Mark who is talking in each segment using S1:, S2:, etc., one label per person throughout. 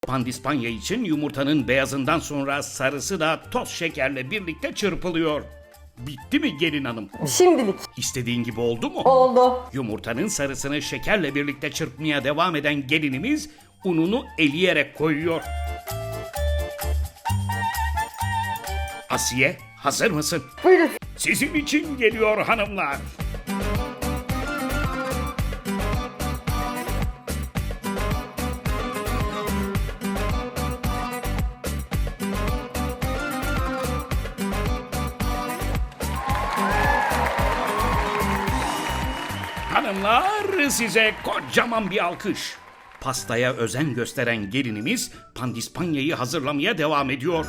S1: Pandispanya için yumurtanın beyazından sonra sarısı da toz şekerle birlikte çırpılıyor. Bitti mi gelin hanım?
S2: Şimdilik.
S1: İstediğin gibi oldu mu?
S2: Oldu.
S1: Yumurtanın sarısını şekerle birlikte çırpmaya devam eden gelinimiz ununu eleyerek koyuyor. Asiye, hazır mısın?
S2: Buyurun.
S1: Sizin için geliyor hanımlar. Hanımlar, size kocaman bir alkış. Pastaya özen gösteren gelinimiz pandispanyayı hazırlamaya devam ediyor.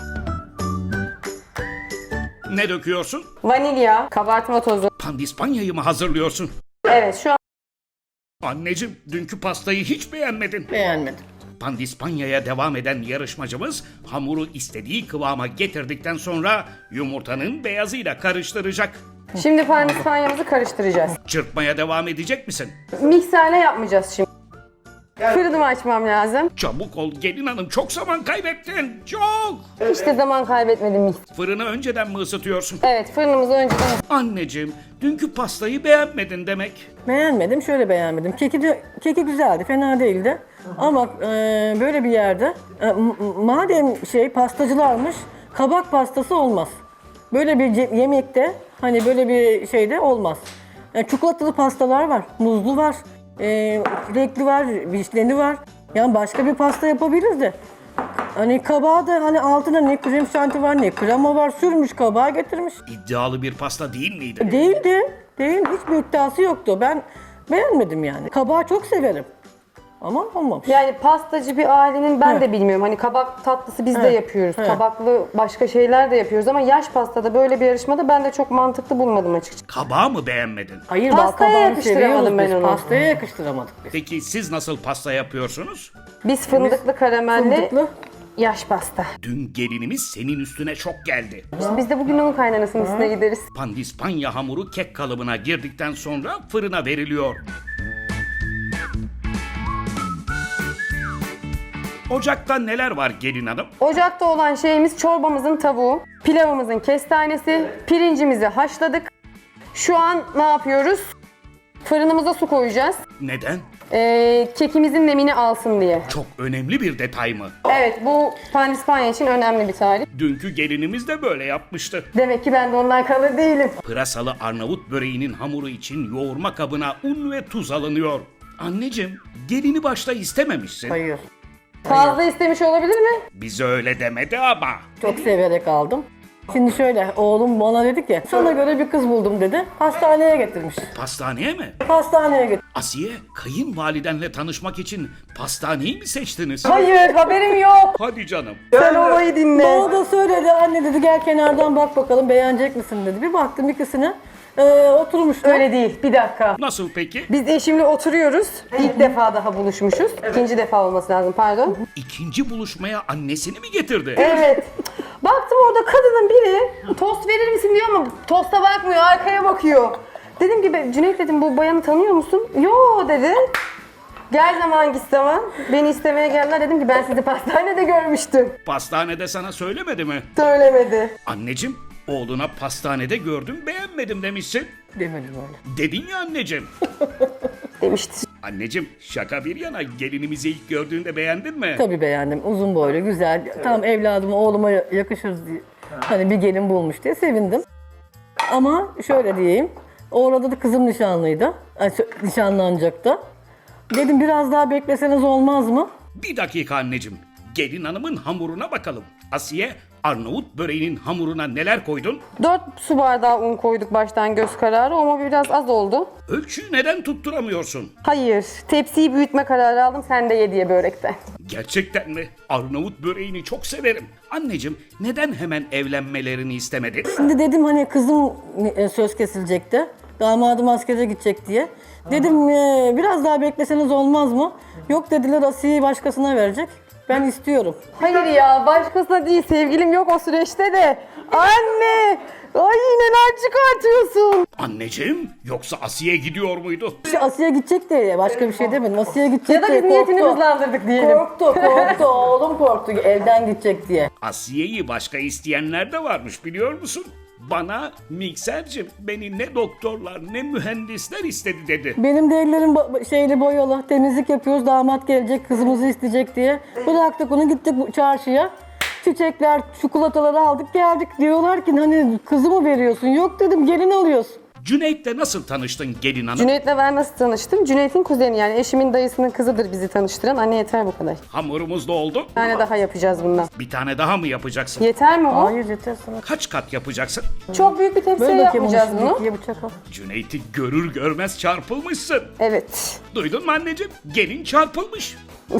S1: Ne döküyorsun?
S2: Vanilya, kabartma tozu.
S1: Pandispanyayı mı hazırlıyorsun?
S2: Evet, şu an
S1: Anneciğim, dünkü pastayı hiç beğenmedin.
S3: Beğenmedim.
S1: Pandispanyaya devam eden yarışmacımız hamuru istediği kıvama getirdikten sonra yumurtanın beyazıyla karıştıracak.
S2: şimdi pandispanyamızı karıştıracağız.
S1: Çırpmaya devam edecek misin?
S2: Mikserle yapmayacağız şimdi. Fırınımı açmam lazım.
S1: Çabuk ol gelin hanım, çok zaman kaybettin. Çok.
S2: Hiç de zaman kaybetmedim.
S1: Fırını önceden mi ısıtıyorsun?
S2: Evet, fırınımızı önceden...
S1: Anneciğim, dünkü pastayı beğenmedin demek.
S3: Beğenmedim, şöyle beğenmedim. Keki güzeldi, fena değildi. Ama böyle bir yerde, madem pastacılarmış, kabak pastası olmaz. Böyle bir yemekte, hani böyle bir şeyde olmaz. Çikolatalı pastalar var, muzlu var, çilekli var, vişneli var. Yani başka bir pasta yapabiliriz de. Hani kabağı da hani altına ne krem şanti var ne krema var, sürmüş kabağa getirmiş.
S1: İddialı bir pasta değil miydi?
S3: Değildi. Değil, hiçbir iddiası yoktu. Ben beğenmedim yani. Kabağı çok severim. Ama olmamış.
S2: Yani pastacı bir ailenin ben de bilmiyorum. Hani kabak tatlısı biz de yapıyoruz.
S3: Evet.
S2: Kabaklı başka şeyler de yapıyoruz ama yaş pastada böyle bir yarışmada ben de çok mantıklı bulmadım açıkçası.
S1: Kabağı mı beğenmedin?
S3: Hayır,
S2: Pastaya
S3: bal kabağını
S2: yakıştıramadım
S3: seviyoruz
S2: ben
S3: biz.
S2: onu.
S3: Pastaya yakıştıramadık biz.
S1: Peki siz nasıl pasta yapıyorsunuz?
S2: Biz fındıklı karamelli
S3: Fındıklı.
S2: yaş pasta.
S1: Dün gelinimiz senin üstüne çok geldi.
S2: İşte biz de bugün onun kaynanasının üstüne gideriz.
S1: Pandispanya hamuru kek kalıbına girdikten sonra fırına veriliyor. Ocakta neler var gelin hanım?
S2: Ocakta olan şeyimiz çorbamızın tavuğu, pilavımızın kestanesi, pirincimizi haşladık. Şu an ne yapıyoruz? Fırınımıza su koyacağız.
S1: Neden?
S2: Kekimizin nemini alsın diye.
S1: Çok önemli bir detay mı?
S2: Evet, bu pandispanya için önemli bir tarif.
S1: Dünkü gelinimiz de böyle yapmıştı.
S2: Demek ki ben de ondan kalır değilim.
S1: Pırasalı Arnavut böreğinin hamuru için yoğurma kabına un ve tuz alınıyor. Anneciğim, gelini başta istememişsin.
S3: Hayır.
S2: Fazla istemiş olabilir mi?
S1: Bize öyle demedi ama.
S3: Çok severek aldım. Şimdi şöyle, oğlum bana dedi ki, sana göre bir kız buldum dedi. Hastaneye getirmiş.
S1: Pastaneye mi?
S3: Hastaneye getirmiş.
S1: Asiye, kayınvalidenle tanışmak için pastaneyi mi seçtiniz?
S2: Hayır, haberim yok.
S1: Hadi canım.
S2: Sen olayı dinle.
S3: Bana da söyledi, anne dedi gel kenardan bak bakalım beğenecek misin dedi. Bir baktım ikisine, oturmuşlar.
S2: Öyle değil, bir dakika.
S1: Nasıl peki?
S2: Biz eşimle oturuyoruz. İlk defa daha buluşmuşuz. İkinci defa olması lazım, pardon.
S1: İkinci buluşmaya annesini mi getirdi?
S2: Evet. Baktım orada kadının biri tost verir misin diyor ama tosta bakmıyor, arkaya bakıyor. Dedim ki Cüneyt dedim bu bayanı tanıyor musun? Yo dedi. Gel zaman git zaman. Beni istemeye geldiler dedim ki ben sizi pastanede görmüştüm.
S1: Pastanede sana söylemedi mi?
S2: Söylemedi.
S1: Anneciğim, oğluna pastanede gördüm beğenmedim demişsin.
S3: Demedim öyle.
S1: Dedin ya anneciğim.
S2: Demişti.
S1: Anneciğim, şaka bir yana gelinimizi ilk gördüğünde beğendin mi?
S3: Tabii beğendim. Uzun boylu, güzel. Tam evladıma, oğluma yakışır diye. Hani bir gelin bulmuş diye sevindim. Ama şöyle diyeyim. Orada da kızım nişanlıydı. Nişanlanacaktı. Dedim biraz daha bekleseniz olmaz mı?
S1: Bir dakika anneciğim. Gelin hanımın hamuruna bakalım. Asiye, Arnavut böreğinin hamuruna neler koydun?
S2: 4 su bardağı un koyduk baştan göz kararı ama biraz az oldu.
S1: Ölçüyü neden tutturamıyorsun?
S2: Hayır, tepsiyi büyütme kararı aldım sen de ye diye börekten.
S1: Gerçekten mi? Arnavut böreğini çok severim. Anneciğim, neden hemen evlenmelerini istemedin?
S3: Şimdi dedim hani kızım söz kesilecekti. Damadım askere gidecek diye. Dedim biraz daha bekleseniz olmaz mı? Yok dediler Asiye'yi başkasına verecek. Ben istiyorum.
S2: Hayır ya, başkasına değil, sevgilim yok o süreçte de. Anne! Ay neler çıkartıyorsun?
S1: Anneciğim, yoksa Asiye gidiyor muydu?
S3: İşte Asya'ya gidecek diye başka bir şey demedim. Asya'ya gidecek
S2: Ya da
S3: diye
S2: biz niyetini
S3: korktu.
S2: hızlandırdık diyelim.
S3: Korktu. Oğlum korktu evden gidecek diye.
S1: Asiye'yi başka isteyenler de varmış biliyor musun? Bana miksercim beni ne doktorlar ne mühendisler istedi dedi.
S3: Benim de ellerim şeyli boyalı. Temizlik yapıyoruz. Damat gelecek, kızımızı isteyecek diye. Bıraktık onu, gittik çarşıya. Çiçekler, çikolataları aldık geldik. Diyorlar ki hani kızı mı veriyorsun? Yok dedim, gelin alıyorsun.
S1: Cüneyt'le nasıl tanıştın gelin hanım?
S2: Cüneyt'le ben nasıl tanıştım? Cüneyt'in kuzeni, yani eşimin dayısının kızıdır bizi tanıştıran. Anne yeter bu kadar.
S1: Hamurumuz da oldu.
S2: Bir tane daha yapacağız bundan.
S1: Bir tane daha mı yapacaksın?
S2: Yeter mi o?
S3: Hayır yeter sana.
S1: Kaç kat yapacaksın?
S2: Çok büyük bir tepsiye
S3: Böyle bakayım onu
S2: yapmayacağız
S3: şimdi,
S2: bunu.
S3: ikiye bıçak al.
S1: Cüneyt'i görür görmez çarpılmışsın.
S2: Evet.
S1: Duydun mu anneciğim? Gelin çarpılmış.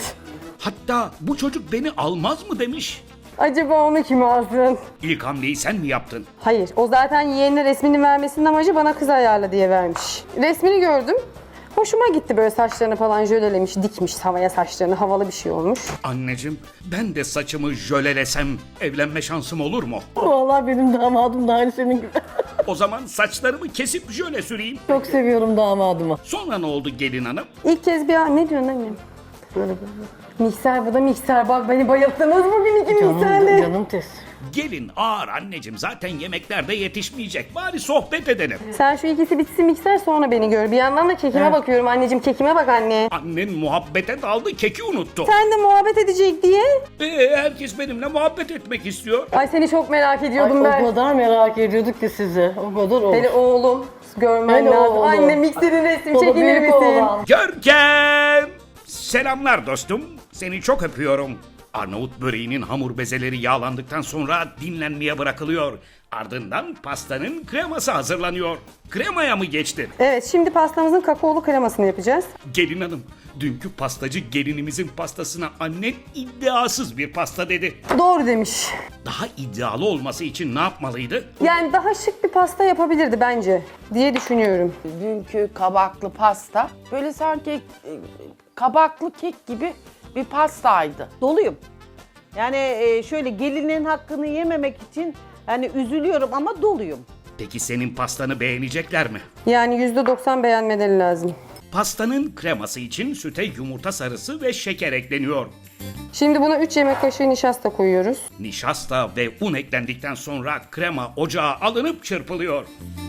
S1: Hatta bu çocuk beni almaz mı demiş.
S2: Acaba onu kim alsın?
S1: İlk hamleyi sen mi yaptın?
S2: Hayır, o zaten yeğenine resmini vermesinin amacı bana kız ayarla diye vermiş. Resmini gördüm. Hoşuma gitti, böyle saçlarını falan jölelemiş, dikmiş havaya saçlarını, havalı bir şey olmuş.
S1: Anneciğim, ben de saçımı jölelesem evlenme şansım olur mu?
S3: Vallahi benim damadım da aynı senin gibi.
S1: O zaman saçlarımı kesip jöle süreyim.
S3: Çok seviyorum damadımı.
S1: Sonra ne oldu gelin hanım?
S2: İlk kez bir ne diyorsun annem?
S3: Böyle.
S2: Mikser, bu da mikser. Bak beni bayılttınız bugün iki mikserle.
S3: Canım tez.
S1: Gelin ağır anneciğim, zaten yemeklerde yetişmeyecek. Bari sohbet edelim.
S2: Sen şu ikisi bitsin mikser, sonra beni gör. Bir yandan da kekime bakıyorum anneciğim, kekime bak anne.
S1: Annen muhabbete daldı, keki unuttu.
S2: Sen de muhabbet edecek diye.
S1: Herkes benimle muhabbet etmek istiyor.
S2: Ay seni çok merak
S3: Ay,
S2: ediyordum
S3: o
S2: ben.
S3: kadar merak ediyorduk ki sizi. O kadar olur.
S2: Hele oğlum görmen
S3: Hele
S2: lazım.
S3: oğlum.
S2: Anne mikserin resmi
S3: O da
S2: çekilir
S3: büyük
S2: misin?
S3: oğlan.
S1: Görkem! Selamlar dostum. Seni çok öpüyorum. Arnavut böreğinin hamur bezeleri yağlandıktan sonra dinlenmeye bırakılıyor. Ardından pastanın kreması hazırlanıyor. Kremaya mı geçtin?
S2: Evet, şimdi pastamızın kakaolu kremasını yapacağız.
S1: Gelin hanım, dünkü pastacı gelinimizin pastasına annen iddiasız bir pasta dedi.
S2: Doğru demiş.
S1: Daha iddialı olması için ne yapmalıydı?
S2: Yani daha şık bir pasta yapabilirdi bence diye düşünüyorum.
S4: Dünkü kabaklı pasta böyle sanki kabaklı kek gibi bir pastaydı.
S5: Doluyum. Yani şöyle gelinin hakkını yememek için yani üzülüyorum ama doluyum.
S1: Peki senin pastanı beğenecekler mi?
S2: Yani %90 beğenmeleri lazım.
S1: Pastanın kreması için süte yumurta sarısı ve şeker ekleniyor.
S2: Şimdi buna 3 yemek kaşığı nişasta koyuyoruz.
S1: Nişasta ve un eklendikten sonra krema ocağa alınıp çırpılıyor.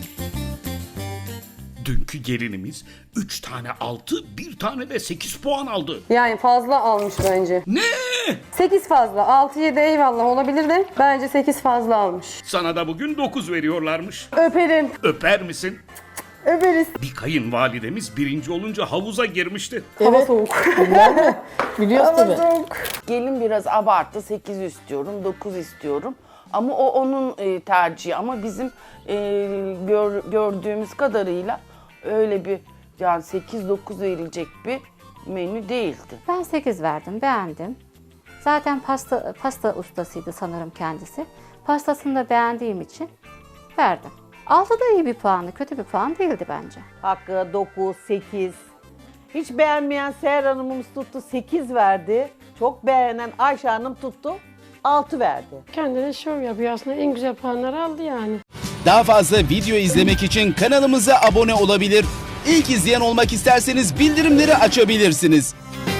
S1: Dünkü gelinimiz 3 tane 6, 1 tane de 8 puan aldı.
S2: Yani fazla almış bence.
S1: Ne?
S2: 8 fazla. 6-7 eyvallah olabilir de bence 8 fazla almış.
S1: Sana da bugün 9 veriyorlarmış.
S2: Öperim.
S1: Öper misin?
S2: Öperiz.
S1: Bir kayınvalidemiz birinci olunca havuza girmişti.
S2: Hava
S3: Evet.
S2: soğuk.
S3: Biliyoruz
S2: Hava
S3: tabii.
S2: soğuk.
S4: Gelin biraz abarttı, 8 istiyorum, 9 istiyorum. Ama o onun tercihi ama bizim gördüğümüz kadarıyla öyle bir yani 8-9 verilecek bir menü değildi.
S6: Ben 8 verdim, beğendim. Zaten pasta ustasıydı sanırım kendisi. Pastasını da beğendiğim için verdim. 6 da iyi bir puanı, kötü bir puan değildi bence.
S5: Hakkı 9, 8. Hiç beğenmeyen Seher Hanım'ımız tuttu 8 verdi. Çok beğenen Ayşe Hanım tuttu 6 verdi.
S7: Kendine şov yapıyor aslında, en güzel puanları aldı yani.
S8: Daha fazla video izlemek için kanalımıza abone olabilir. İlk izleyen olmak isterseniz bildirimleri açabilirsiniz.